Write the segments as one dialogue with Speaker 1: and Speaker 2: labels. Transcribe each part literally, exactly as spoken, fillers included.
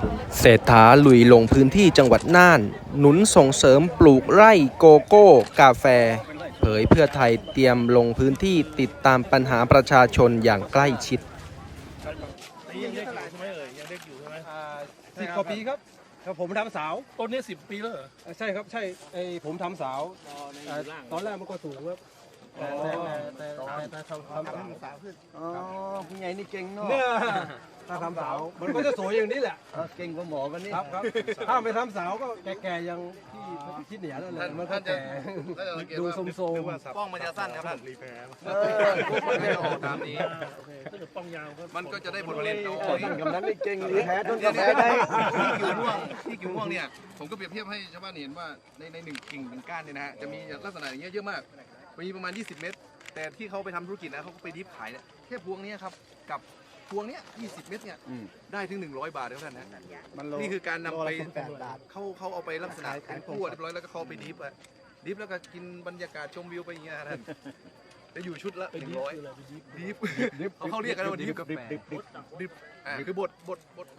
Speaker 1: เศรษฐาลุยลงพื้นที่จังหวัดน่าน หนุนส่งเสริมปลูกไร่โกโก้กาแฟ เผยเพื่อไทยเตรียมลงพื้นที่ติดตามปัญหาประชาชนอย่างใกล้ชิด
Speaker 2: ยังเด็กอยู่ใช่ไหมเอ่ยยังเด็กอยู่ใช่ไหม
Speaker 3: สิบกว่าปีครับครับผมทำสาว
Speaker 2: ต้นนี้สิบปีแล้วเหรอ
Speaker 3: ใช่ครับใช่ไอผมทำสาวตอนแรกมันก็สูงครับแต่แต่แต่แต่ทำทำสาวขึ้น
Speaker 4: อ๋อผู้ใหญ่นี่เก่งเนาะ
Speaker 3: เนี่ยถ้าทำสาวมันก็จะสวยอย่างนี้แหละ
Speaker 4: เก่งกว่าหมอกันนี่
Speaker 3: ครับครับถ้าไม่ทำสาวก็แก่ๆยังที่ที่เหนือนั่นแหละมันก็แก่ดูโทรม
Speaker 5: ๆป้องมันจะสั้นครับท่านรีแพร์
Speaker 4: เออ
Speaker 5: มันจะออกตามนี้
Speaker 2: ถ้าเกิดป้องยาว
Speaker 5: มันก็จะได้ผลผลิตน้อย
Speaker 4: กำนั้นนี่เก่งรีแพร์ต้นกาแฟได้
Speaker 5: ที่กิ่วม่วงที่กิ่วม่วงเนี่ยผมก็เปรียบเทียบให้ชาวบ้านเห็นว่าในในหนึ่งกิ่งหนึ่งก้านเนี่ยนะฮะจะมีลักษณะอย่างเงี้ยเยอะมากมีประมาณยี่สิบเมตรแต่ที่เขาไปทำธุรกิจนะเขาก็ไปดิฟขายเนี่ยแค่พวงนี้ครับกับพวงเนี้ยยี่สิบเมตรเนี่ยได้ถึงหนึ่งร้อยบาทแล้วท่านนะนี่คือการนำไปเขาเขาเอาไปลักษณะเป็นขวดเรียบร้อยแล้วก็เขาไปดิฟอะดิฟแล้วก็กินบรรยากาศชมวิวไปอย่างเงี้ยท่านจะอยู่ชุดละหนึ่งร้อยดิฟเขาเขาเรียกกันว่าดิฟกาแฟดิฟอ่าคือบดบดบด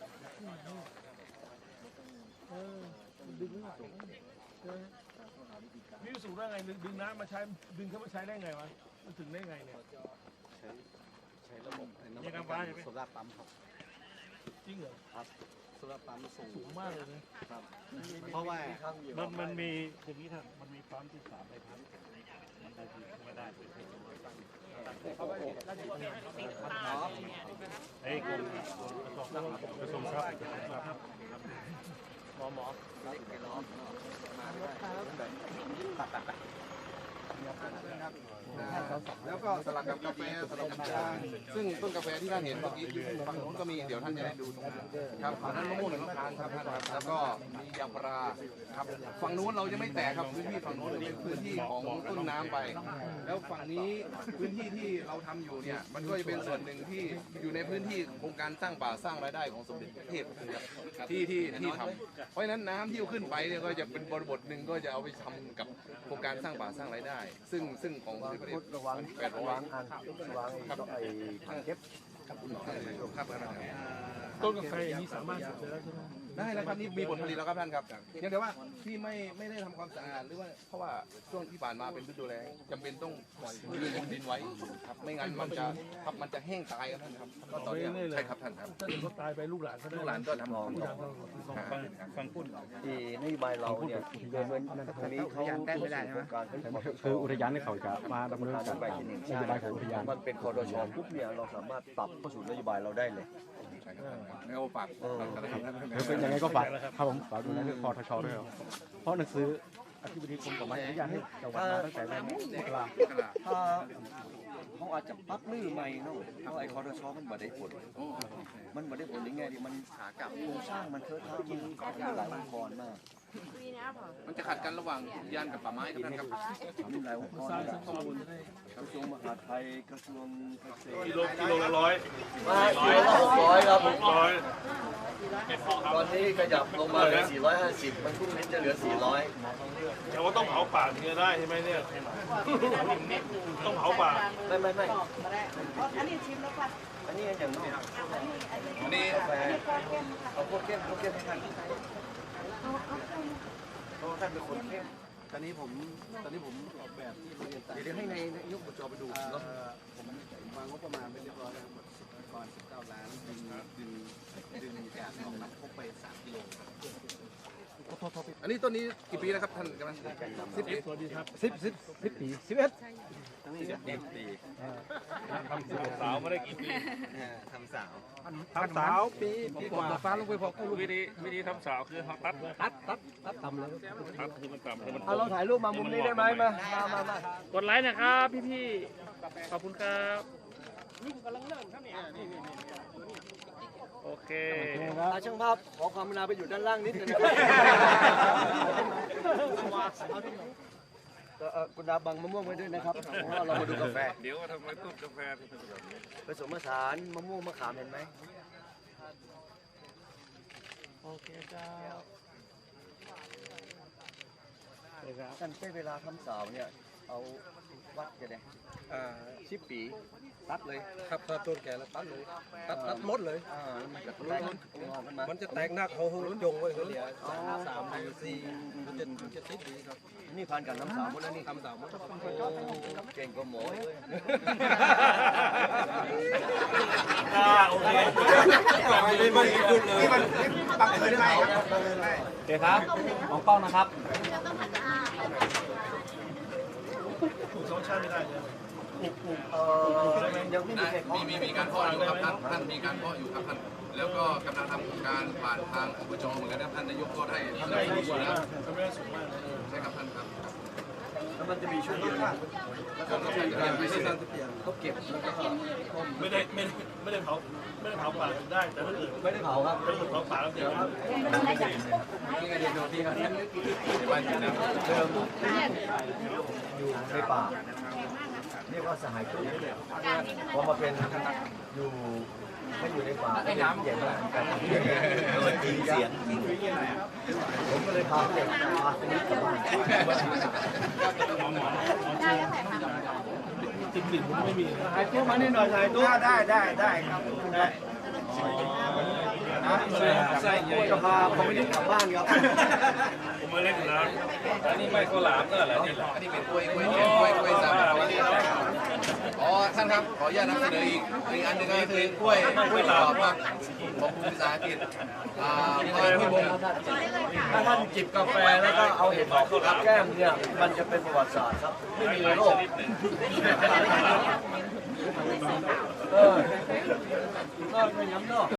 Speaker 2: นี่สูงได้ไงดึงน้ำมาใช้ดึงเข้ามาใช้ได้ไงวะมันถึงได้ไงเนี่ย
Speaker 4: ใช้ระบบ
Speaker 2: ยังน้ำฟ้าใช่ไหม
Speaker 4: โซล่าปั๊มครับ
Speaker 2: จริงเหรอ
Speaker 4: ครับโซล่าปั๊มสูง
Speaker 2: สูงมากเลยนะครับ
Speaker 4: เพราะว่า
Speaker 2: มันมันมีอย่างนี้ท่านมันมีปั๊มที่สามใบพัดมันได้ดีไม่ได้เฮ้ยกรมกระทรวงทรัพย์หมอหมอ
Speaker 5: แล้วก็สลับกับกาแฟสลับกับชาซึ่งต้นกาแฟที่ท่านเห็นเมื่อกี้ฝั่งโน้นก็มีเดี๋ยวท่านจะได้ดูตรงนั้นครับฝั่งนั้นมะม่วงหนึ่งมะพร้าวครับท่านครับแล้วก็มียางพาราครับฝั่งโน้นเราจะไม่แตกครับพื้นที่ฝั่งโน้นเป็นพื้นที่ของต้นน้ำไปแล้วฝั่งนี้พื้นที่ที่เราทำอยู่เนี่ยมันก็จะเป็นส่วนหนึ่งที่อยู่ในพื้นที่โครงการสร้างป่าสร้างรายได้ของสมเด็จพระเทพที่ที่ที่ทำเพราะฉะนั้นน้ำที่ขึ้นไปเนี่ยก็จะเป็นบริบทหนึ่งก็จะเอาไปทำกับโครงการสร้างป่าสร้างรายได้ ซึ่งซึ่งของสมเด็จพระเทพ
Speaker 4: ระวัง
Speaker 5: แปดร้อยว
Speaker 4: างอันวางครับไอ้ถังเก็บ
Speaker 5: ครับครับ
Speaker 2: ต้นกาแฟอย่างนี้สามารถสุดแล้วใช่ไหม
Speaker 5: ได้แล้วครับนี่มีผลผลิตแล้วครับท่านครับเพียงแต่ว่าที่ไม่ไม่ได้ทำความสะอาดหรือว่าเพราะว่าช่วงที่ผ่านมาเป็นฤดูแล้งจำเป็นต้องปล่อยดินดินไว้ครับไม่งั้นมันจะครับมันจะแห้งตายครับท่านครับก็ตอนนี้ใช่ครับท่านครับ
Speaker 2: ถ้าเกิดเขาตายไปลูกหลานเขาได้
Speaker 5: ลูกหลานก็ทำของ
Speaker 2: ฟังฟังพูด
Speaker 4: ที่นโยบายเราเนี่ยเดินตรงนี้เขาแก้ไม่ได้ใช่ไหม
Speaker 6: คืออุทยานที่เขาจะมาดำเนินการตามนโยบายของอุทยาน
Speaker 4: มันเป็นคอรชปุ๊บเนี่ยเราสามารถปรับเข้าสู่นโยบายเราได้เลย
Speaker 5: แล้วฝาก
Speaker 6: คือยังไงก็ฝากครับผมฝากดูในเรื่องคอทชด้วยเพราะหนังสืออธิบดีกรมป่าไม้อนุญาตให้จังหวัดมาตั้งแต่ในมกรา
Speaker 4: ถ้าเขาอาจจะปักลื้อใหม่เนาะเพราะไอ้คอรชมันบ่ได้ผลมันบ่ได้ผลยังไงดิมันหากับโครงสร้างมันเทอะทะมันหลายองค์กรมาก
Speaker 5: มันจะขัดกันระหว่างอุทยานกับป่าไม้ครับท่านครับ
Speaker 4: มีหลายองค์กรกระทรวงมหาดไทยกระทรวงเกษตร
Speaker 2: กิโลกิโลละร้อย
Speaker 4: กิโลละหกร้อยครับหกร้อยตอนนี้ขยับลงมาเหลือสี่ร้อยห้าสิบมันพรุ่งนี้จะเหลือสี่ร้อย
Speaker 2: แต่ว่าต้องเผาป่าถึงจะได้ใช่ไหมเนี่ยต้องเผาป่า
Speaker 4: ไม่ไม่ไม่อันนี้ชิมแล้วป่ะอันนี้อย่างนี้
Speaker 5: อันนี้
Speaker 4: กาแฟเอาพวกเข้มพวกเข้มให้ท่านเพราะท่านเป็นคนเข้ม
Speaker 5: ตอนนี้ผมตอนนี้ผมออกแบบที่เรียนเดี๋ยวให้ในยกบทจอไปดูเนาะผมวางงบประมาณเป็นเรียบร้อยแล้วหมดก่อนสิบเก้าล้านดึงดึงดึงจากของน้ำพกไปสามกิโลอันนี้ต้นนี้กี่ปีแล้วครับท่านกำลังสิบปี
Speaker 2: สวัสดีครับ
Speaker 3: สิบสิบสิบปีสิบเอ็ด
Speaker 5: สิบปี
Speaker 2: ทำสาวไม่ได้กี่ปี
Speaker 5: ทำสาว
Speaker 3: ทำสาวปีปีกว่าฟ้าลงไปพอ
Speaker 2: วิธีวิธีทำสาวคือเขาตัด
Speaker 3: ตัดตัดตัดต่ำเลย
Speaker 2: ตัดคือมันต่ำคือมัน
Speaker 4: เอาเราถ่ายรูปมามุมนี้ได้ไหมมามามามา
Speaker 2: กดไลค์นะครับพี่พี่ขอบคุณครับโอเค
Speaker 4: ช่างภาพขอความกรุณาไปอยู่ด้านล่างนิดนึงนะครับคุณดาบังมะม่วงไว้ด้วยนะครับเพราะว่าเรามาดูกาแฟ
Speaker 5: เดี๋ยวทำไมต้นกาแฟ
Speaker 4: ผสมผสานมะม่วงมะขามเห็นไหม
Speaker 2: โอเคเจ้า
Speaker 4: ท่านใช้เวลาทำสาวเนี่ยเอาวัดจะได้
Speaker 3: อ่า
Speaker 4: สิบปีตัดเลย
Speaker 3: ครับถ้าต้นแก่แล้วตัดเลยตัดตัดหมดเลย
Speaker 4: อ่ามันจะแตกงอกขึ้นมา
Speaker 3: มันจะแตกหนักเขาจงไว้เขาเหลียสามหรือสี่มันจะมันจะติดดีครับ
Speaker 4: นี่ผ่านกับน้ำสาวหมดแล้วนี่
Speaker 3: ทำสามหมด
Speaker 4: เก่งกว่าหมอเลย
Speaker 2: อ่าโอเค
Speaker 3: ไม่ไม่ขึ้นเลย
Speaker 6: โอเคครับมองเป้านะครับ
Speaker 2: สองชั้นไม่ได้เลย
Speaker 4: เออยังไม่มีใคร
Speaker 5: มีมีมีการเพาะอยู่ครับท่านท่านมีการเพาะอยู่ครับท่านแล้วก็กำลังทำการผ่านทางอบจเหมือนกันนะท่านนายกก็ได้สนับสนุนอยู่แล้ว
Speaker 2: ทำได้สูงมากเลย
Speaker 5: ใช่ครับท่านครับ
Speaker 4: แล้วมันจะมีช่วงเดียว
Speaker 5: จนเราจะได้ไปเสร็จ
Speaker 4: เขาเก็บแล้วก็
Speaker 2: ไม่ได้ไม่ได้ไม่ได้เผาไม่ได้เผาป่าได้แต่ถ้าเกิด
Speaker 4: ไม่ได้เผาครับ
Speaker 2: ถ้าเกิดเผาป่าแล้วเดี๋ยว
Speaker 4: นี่ไงเดี๋ยวพี่ครับ
Speaker 5: บ้านอยู่นะ
Speaker 4: เดิมอยู่ในป่าเรียกว่าสหายตุ้ยพอมาเป็นอยู่ไม่อยู่ในป่าเป็นน้ำเย็นแล้วกันเลยจริงเสียงผมก็เลยพาเด็กมาสนิทกับบ้าน
Speaker 2: ติดติดมันไม่มี
Speaker 4: ถ่ายตู้มานี่หน่อยถ่ายตู้ได้ได้ได้ครับได้ใส่จะพาผมไม่ได้กลับบ้านครับ
Speaker 2: ผมมาเล่นอยู่แล้วอันนี้ไม่ก็หลามก็อะไรนี่
Speaker 5: อันนี้เป็นกล้วยกล้วยกล้วยกล้วยสามอ๋อท่านครับขออนุญาตนำเสนออีกอีกอันหนึ่งก็คือกล้วยกล้วยหลามครับของภูมิศาสตร์กิจอ่าพรพิบูล
Speaker 4: ถ้าท่านจิบกาแฟแล้วก็เอาเห็ดหอมแก้มเนี่ยมันจะเป็นประวัติศาสตร์ครับไม่มีในโลกเออก็ไม่ย้ำเนาะ